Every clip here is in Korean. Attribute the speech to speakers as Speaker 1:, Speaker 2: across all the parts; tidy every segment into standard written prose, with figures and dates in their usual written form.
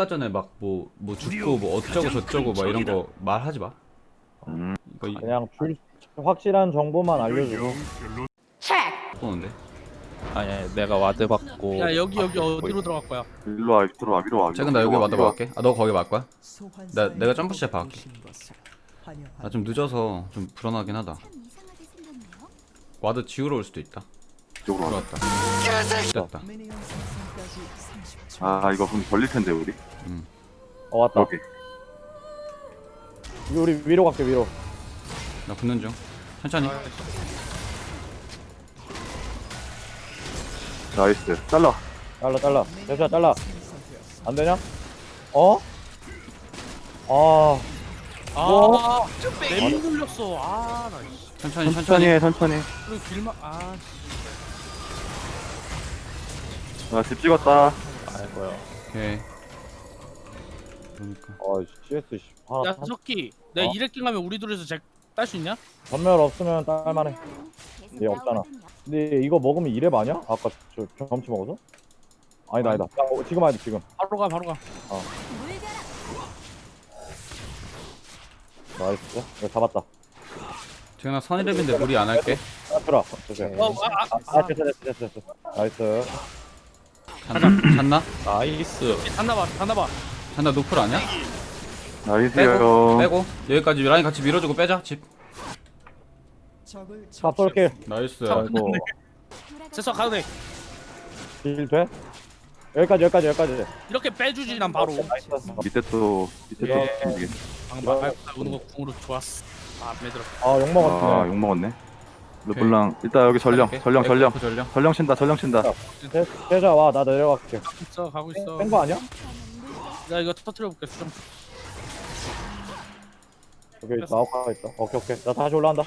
Speaker 1: 아까 전에 막 뭐 죽고 뭐 어쩌고 저쩌고 막 이런 거 말하지 마. 이거
Speaker 2: 그냥 확실한 정보만 알려주고.
Speaker 1: 보는데.
Speaker 3: 아니 내가 와드 받고.
Speaker 4: 야 여기 어디로 들어갈 거야?
Speaker 5: 일로 와, 들어와, 위로 와.
Speaker 1: 최근 나 여기 와다
Speaker 5: 위로 와.
Speaker 1: 박을게. 아 너 거기 막 거야? 내가 점프 시작 박을게. 나 좀 늦어서 좀 불안하긴 하다. 와드 지우러 올 수도 있다.
Speaker 5: 이쪽으로 와.
Speaker 1: 들어왔다. 됐다.
Speaker 5: 아, 이거 그럼 걸릴 텐데 우리.
Speaker 2: 왔다.
Speaker 5: 여기.
Speaker 2: 우리 위로 갈게, 위로.
Speaker 1: 나 붙는 중. 천천히.
Speaker 5: 나이스. 잘라.
Speaker 2: 잘라. 대수야, 잘라. 안 되냐? 어? 뭐?
Speaker 4: 램 눌렸어. 나
Speaker 1: 천천히.
Speaker 5: 천천히 해, 천천히.
Speaker 4: 그리고 길막
Speaker 5: 나 집 찍었다.
Speaker 3: 아이고요.
Speaker 1: 오케이. 그러니까.
Speaker 2: CS, 씨. 하나,
Speaker 4: 야 석기, 내가
Speaker 2: 어?
Speaker 4: 이렉킹 하면 우리 둘이서 딸 수 있냐?
Speaker 2: 전멸 없으면 딸만해. 얘 없잖아. 근데 이거 먹으면 이랩 아니야? 아까 저 경험치 먹어서? 아니다. 야, 지금 와야 돼, 지금.
Speaker 4: 바로 가.
Speaker 2: 나이스. 이거 잡았다.
Speaker 1: 지금 나 선이랩인데 무리 안 할게.
Speaker 2: 들어. 됐어. 됐어. 나이스.
Speaker 1: 잤나?
Speaker 3: 나이스.
Speaker 4: 단나봐.
Speaker 1: 잤나 노플 아니야?
Speaker 5: 나이스요.
Speaker 1: 빼고 여기까지 라인 같이 밀어주고 빼자 집.
Speaker 2: 탑 쏠게.
Speaker 1: 나이스.
Speaker 2: 아이고.
Speaker 4: 됐어 가도 돼.
Speaker 2: 딜 돼? 여기까지.
Speaker 4: 이렇게 빼주지 난 바로.
Speaker 5: 밑에 또
Speaker 2: 예.
Speaker 5: 이게.
Speaker 4: 방금 말 오는 거 궁으로 좋았어. 맘에 들어.
Speaker 2: 욕
Speaker 5: 아,
Speaker 2: 먹었네.
Speaker 5: 욕 먹었네. 르블랑 일단 여기 전령 전령 친다.
Speaker 2: 대자 와, 나 내려갈게.
Speaker 4: 가고 있어.
Speaker 2: 뺀 거 아니야?
Speaker 4: 나 이거 터트려 볼게 수정.
Speaker 2: 여기 있다. 아웃가 있다. 오케이. 나 다시 올라간다.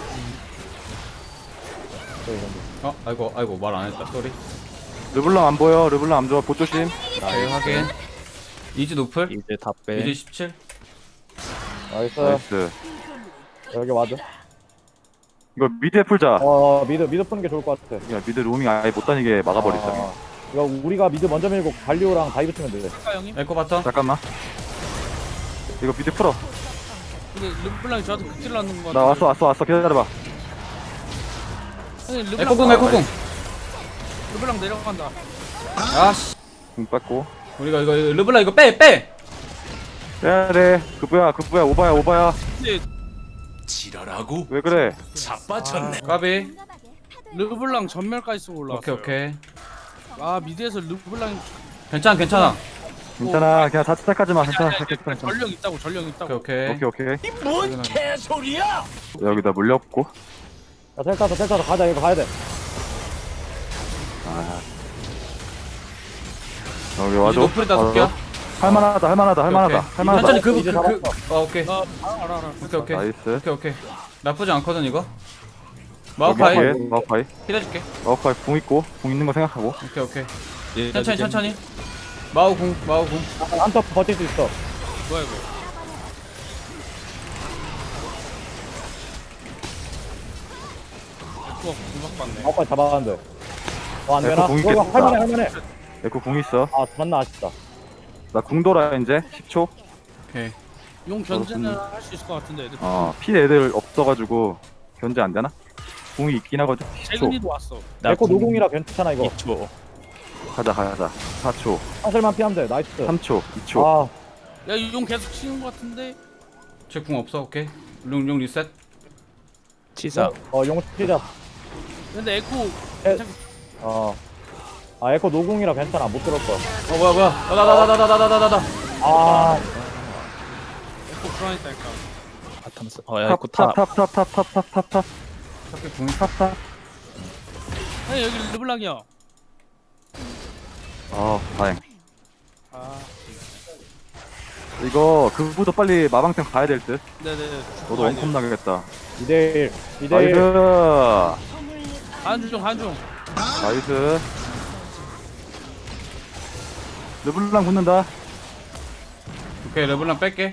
Speaker 1: 아이고 말 안 했다. 쏘리.
Speaker 5: 르블랑 안 보여. 르블랑 안 좋아. 보 조심.
Speaker 1: 오케이 확인. 이즈 노플.
Speaker 3: 이제 다 빼.
Speaker 1: 이즈 17.
Speaker 2: 나이스.
Speaker 5: 나이스.
Speaker 2: 여기 와드.
Speaker 5: 이거 미드에 풀자.
Speaker 2: 미드 푸는 게 좋을 것 같아.
Speaker 5: 야, 미드 로밍 아예 못 다니게 막아버리자.
Speaker 2: 이거 우리가 미드 먼저 밀고 갈리오랑 다이브 치면 돼.
Speaker 4: 할까 형님?
Speaker 1: 에코 바텀.
Speaker 5: 잠깐만. 이거 미드 풀어.
Speaker 4: 근데 르블랑이 저한테 극딜 넣는 거.
Speaker 5: 나 왔어. 기다려봐.
Speaker 4: 형님
Speaker 1: 에코궁.
Speaker 4: 르블랑 내려간다.
Speaker 1: 아씨.
Speaker 5: 공 뺏고.
Speaker 1: 우리가 이거 르블라 이거 빼.
Speaker 5: 빼야 돼. 그 뭐야. 오바야.
Speaker 4: 근데
Speaker 6: 지랄하고
Speaker 5: 왜 그래?
Speaker 6: 자빠졌네.
Speaker 1: 까비.
Speaker 4: 르블랑 전멸까지 쓰고 올라왔어요.
Speaker 1: 오케이.
Speaker 4: 미드에서 르블랑이
Speaker 1: 괜찮아.
Speaker 5: 괜찮아. 그냥 자책하지 마. 괜찮아.
Speaker 4: 전령 있다고.
Speaker 1: 오케이.
Speaker 6: 뭔 개소리야?
Speaker 5: 여기다 물렸고.
Speaker 2: 야, 텔 타서 가자. 이거 가야 돼.
Speaker 5: 여기
Speaker 1: 이즈
Speaker 5: 와줘.
Speaker 1: 노플이다 도끼야.
Speaker 5: 할만하다.
Speaker 1: 천천히
Speaker 2: 이제 잡았어.
Speaker 1: 오케이.
Speaker 4: 알아.
Speaker 1: 오케이.
Speaker 5: 나이스.
Speaker 1: 오케이. 나쁘지 않거든 이거.
Speaker 5: 여기
Speaker 1: 마우파이
Speaker 5: 뒤에 마우파이.
Speaker 1: 힐해줄게.
Speaker 5: 마우파이 궁 있고 궁 있는 거 생각하고.
Speaker 1: 오케이. 천천히. 마우궁.
Speaker 2: 한턱 버틸 수 있어.
Speaker 4: 뭐야 이거? 에코가 궁박 받네.
Speaker 2: 아까 잡았는데. 안
Speaker 5: 에코
Speaker 2: 되나?
Speaker 5: 공이
Speaker 2: 이거
Speaker 5: 깼다.
Speaker 2: 할만해.
Speaker 5: 에코 궁 있어.
Speaker 2: 존나 아쉽다.
Speaker 5: 나 궁 돌아 이제 10초.
Speaker 1: 오케이.
Speaker 4: 용 견제는 할 수 있을 것 같은데 애들.
Speaker 5: 피 애들 없어가지고 견제 안 되나? 궁이 있긴 하거든. 10초.
Speaker 4: 재근이도 왔어.
Speaker 2: 에코 노공이라 괜찮아 이거.
Speaker 3: 2초.
Speaker 5: 가자. 4초.
Speaker 2: 사슬만 피하면 돼. 나이스.
Speaker 5: 3초. 2초.
Speaker 4: 야 이 용 계속 치는 것 같은데.
Speaker 1: 쟤궁 없어. 오케이. 용 리셋.
Speaker 3: 치사.
Speaker 2: 용 피자.
Speaker 4: 근데 에코
Speaker 2: 에코 노공이라 괜찮아. 못 들을 거야.
Speaker 1: 뭐야. 나다.
Speaker 4: 에코 불안했다니까.
Speaker 3: 바텀스. 야, 에코 탑.
Speaker 5: 탑.
Speaker 1: 오케이 궁.
Speaker 4: 아니 여기 르블랑이야.
Speaker 5: 다행.
Speaker 4: 아
Speaker 5: 이거 그부터 빨리 마방템 가야 될 듯.
Speaker 4: 네네.
Speaker 5: 너도 원컵 나겠다.
Speaker 2: 2대1.
Speaker 5: 나이스.
Speaker 4: 한중.
Speaker 5: 나이스. 르블랑 붙는다.
Speaker 1: 오케이 르블랑 뺄게.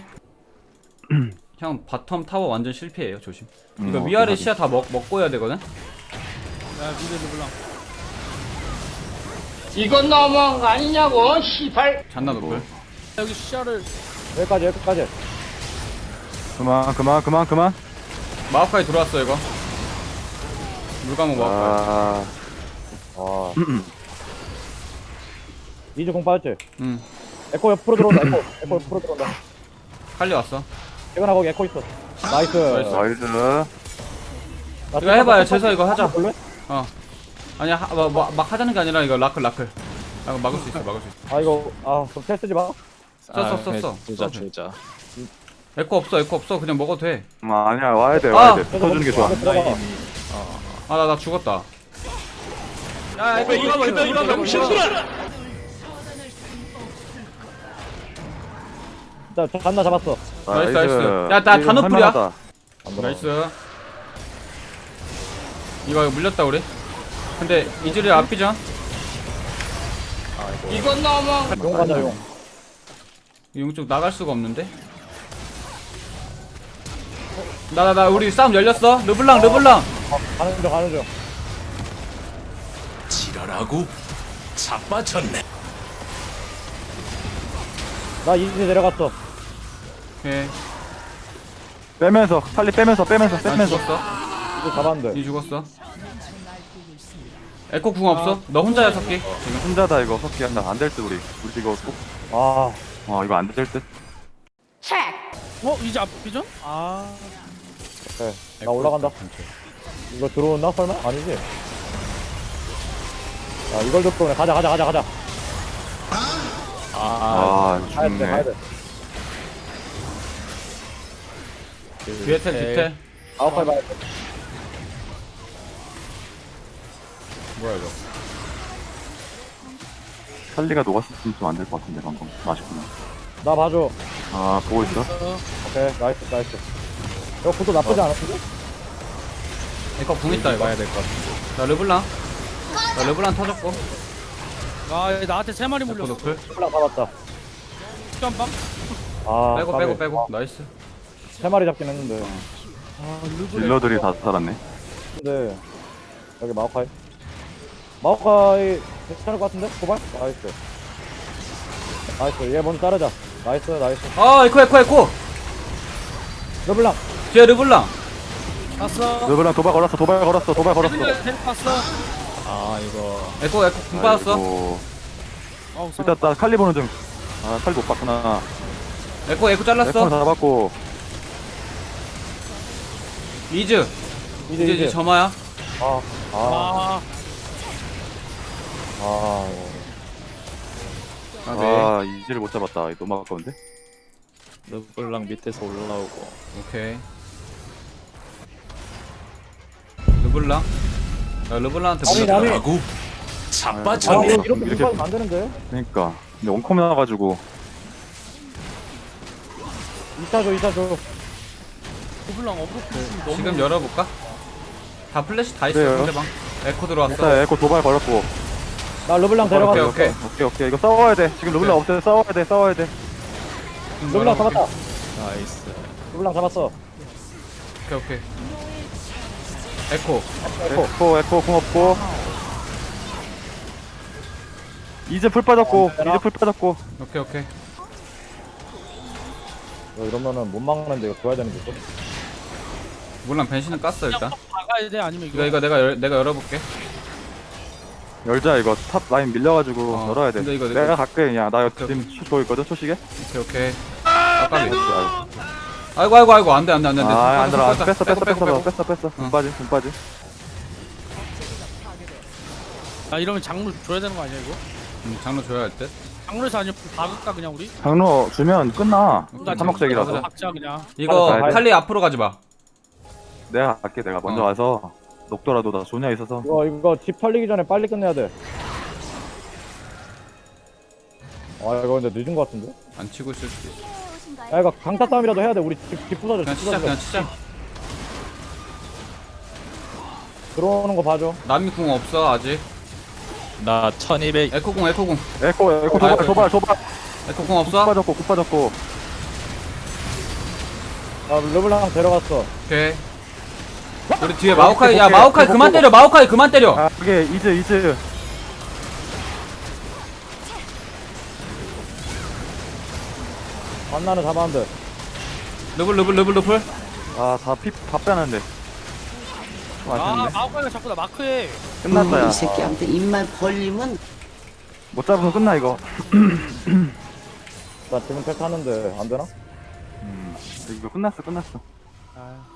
Speaker 1: 형 바텀 타워 완전 실패예요. 조심. 이거
Speaker 5: 오케이,
Speaker 1: 위아래
Speaker 5: 확인.
Speaker 1: 시야 다 먹고 해야 되거든.
Speaker 4: 야 미드 르블랑.
Speaker 7: 이건 너무한 거 아니냐고, 시발.
Speaker 1: 잔나 노플.
Speaker 4: 여기 시야를
Speaker 2: 여기까지.
Speaker 5: 그만.
Speaker 1: 마오카이 들어왔어 이거. 물감은 마오카이.
Speaker 5: 아,
Speaker 2: 이즈 공 빠졌지?
Speaker 1: 응.
Speaker 2: 에코 옆으로 들어온다. 에코 옆으로 들어온다.
Speaker 1: 칼리 왔어.
Speaker 2: 재근아 거기 에코 있어. 나이스.
Speaker 5: 나이스.
Speaker 2: 나
Speaker 1: 이거 해봐요. 재서 이거 하자.
Speaker 2: 볼래?
Speaker 1: 아니야 막 하자는 게 아니라 이거 라클. 아, 이거 막을 수 있어.
Speaker 2: 아 이거 그럼 텔 쓰지 마.
Speaker 1: 썼어.
Speaker 3: 주자.
Speaker 1: 에코 없어. 그냥 먹어도 돼.
Speaker 5: 아니야, 와야 돼. 붙어주는 게 좋아.
Speaker 2: 들어가.
Speaker 1: 나 죽었다. 야 이거
Speaker 6: 명신들아!
Speaker 2: 자 잔나 잡았어.
Speaker 1: 나이스. 야, 나 단호풀이야.
Speaker 5: 할만하다.
Speaker 1: 나이스. 이거 물렸다 우리. 근데 이즈리 앞이죠?
Speaker 4: 이건 너무
Speaker 2: 용 가자 용.
Speaker 1: 용쪽 나갈 수가 없는데. 나 우리 싸움 열렸어. 르블랑.
Speaker 2: 가는 중.
Speaker 6: 지랄하고 자빠졌네.
Speaker 2: 나 이즈 내려갔어.
Speaker 1: 오케이.
Speaker 5: 빼면서, 빨리 빼면서.
Speaker 1: 난 죽었어.
Speaker 2: 이즈 잡았는데.
Speaker 1: 니 죽었어. 에코 궁 없어? 너 혼자야 석기.
Speaker 5: 지금 혼자다, 이거. 석기 한다. 안 될 듯, 우리 이거 꼭. 이거 안 될 듯.
Speaker 4: 이제 앞이죠? 아
Speaker 2: 오케이. 나 올라간다. 이거 들어온나 설마? 아니지? 자 이걸 듣고 그냥 가자.
Speaker 5: 죽네.
Speaker 2: 가야 돼.
Speaker 1: 뒤에 텔.
Speaker 2: 아웃팔 봐야 돼.
Speaker 1: 뭐야 이거?
Speaker 5: 살리가 녹았으면 좀 안 될 것 같은데, 방금. 맛있구나.
Speaker 2: 나 봐줘.
Speaker 5: 보고 있어?
Speaker 2: 오케이 나이스. 이거 구도 나쁘지 않았는데?
Speaker 1: 에코 궁 있다 이거.
Speaker 3: 봐야 될 것 같은데.
Speaker 1: 나 르블랑 터졌고.
Speaker 4: 나한테 3마리
Speaker 1: 에코
Speaker 4: 물렸어.
Speaker 1: 노플.
Speaker 2: 홀랑 잡았다.
Speaker 4: 깜빡.
Speaker 1: 빼고. 나이스.
Speaker 2: 3마리 잡긴 했는데.
Speaker 5: 딜러들이 다 살았네.
Speaker 2: 근데 여기 마오카이 괜찮을 것 같은데? 고발? 나이스 얘 먼저 자르자. 나이스
Speaker 1: 에코.
Speaker 2: 르블랑
Speaker 1: 뒤에 르블랑.
Speaker 4: 갔어.
Speaker 5: 르블랑 도발 걸었어.
Speaker 4: 갔어.
Speaker 3: 이거
Speaker 1: 에코 궁 빠졌어.
Speaker 5: 아이고.
Speaker 4: 어우
Speaker 5: 일단 나 칼리 보는 중. 칼리 못 봤구나.
Speaker 1: 에코
Speaker 5: 에코는
Speaker 1: 잘랐어.
Speaker 5: 잡았고.
Speaker 1: 이즈
Speaker 2: 이제
Speaker 1: 점화야.
Speaker 2: 아
Speaker 5: 이지를 못 잡았다. 이거 너무 아까운데?
Speaker 3: 르블랑 밑에서 올라오고.
Speaker 1: 오케이. 르블랑. 야 르블랑한테
Speaker 2: 아니,
Speaker 1: 물렸다.
Speaker 2: 남이-
Speaker 6: 지랄하고
Speaker 2: 아
Speaker 6: 자빠졌네.
Speaker 2: 이렇게
Speaker 5: 이렇게-
Speaker 2: 공부하면 안 되는데.
Speaker 5: 그니까. 근데 원컴 나와가지고.
Speaker 2: 2차.
Speaker 4: 고블랑 어브로프
Speaker 1: 지금 열어볼까? 다 플래시 다 있어.
Speaker 5: 그래요.
Speaker 1: 상대방. 에코 들어왔어.
Speaker 5: 일단 에코 도발 걸었고.
Speaker 2: 나 르블랑 데려갔어.
Speaker 1: 오케이.
Speaker 5: 오케이. 이거 싸워야 돼. 지금 르블랑 없어요. 싸워야 돼.
Speaker 2: 르블랑 잡았다.
Speaker 3: 나이스.
Speaker 2: 르블랑 잡았어.
Speaker 1: 오케이. 에코.
Speaker 5: 에코 공 없고. 이제 풀 빠졌고.
Speaker 1: 오케이.
Speaker 2: 이러면은 못 막는데 이거 줘야 되는 게 있어.
Speaker 1: 물론 변신은 깠어 일단.
Speaker 4: 나가야 돼 아니면 이거
Speaker 1: 이거 내가 열어볼게.
Speaker 5: 열자 이거 탑 라인 밀려가지고
Speaker 1: 어,
Speaker 5: 열어야 돼.
Speaker 1: 근데 이거
Speaker 5: 내가 갈게. 그냥 나
Speaker 1: 오케이,
Speaker 5: 지금 초 있거든. 초시계.
Speaker 1: 오케이. 아까비. 아이고 안돼.
Speaker 5: 안 들어.
Speaker 1: 빼고.
Speaker 5: 뺐어. 공 빠지.
Speaker 4: 이러면 장물 줘야 되는 거 아니야 이거?
Speaker 1: 장로 줘야 할 듯.
Speaker 4: 장물에서 아니면 박을까 그냥 우리?
Speaker 5: 장로 주면 끝나.
Speaker 1: 오케이.
Speaker 5: 삼목색이라서.
Speaker 1: 가보자.
Speaker 4: 박자 그냥.
Speaker 1: 이거
Speaker 2: 가야 돼.
Speaker 1: 칼리 앞으로 가지 마.
Speaker 5: 내가 갈게. 내가 먼저 와서 녹더라도 나 조냐 있어서.
Speaker 2: 이거 집 털리기 전에 빨리 끝내야 돼. 이거 근데 늦은 것 같은데?
Speaker 1: 안 치고 있을 수도 있어.
Speaker 2: 야 이거 강타 싸움이라도 해야 돼. 우리 집 부서져.
Speaker 1: 그냥 치자.
Speaker 2: 들어오는 거 봐줘.
Speaker 1: 남이 궁 없어 아직.
Speaker 3: 나 1200.
Speaker 1: 에코 궁.
Speaker 5: 에코
Speaker 1: 아이고.
Speaker 5: 도발.
Speaker 1: 에코 궁 없어?
Speaker 5: 국 빠졌고.
Speaker 2: 르블랑 데려갔어.
Speaker 1: 오케이. 우리 뒤에 마오카이. 야 마오카이 그만 때려. 마오카이 그만 때려.
Speaker 5: 그게 이즈.
Speaker 2: 만나는 잡았는데.
Speaker 1: 러블.
Speaker 5: 아다 빼는데 좀
Speaker 4: 아
Speaker 5: 아쉽네
Speaker 4: 마우카이가 자꾸 나 마크해.
Speaker 5: 끝났다
Speaker 7: 이
Speaker 5: 야
Speaker 7: 새끼한테 입만 벌리면
Speaker 5: 못 잡으면 끝나 이거
Speaker 2: 나 지금 택 하는데 안 되나?
Speaker 5: 이거 끝났어
Speaker 4: 아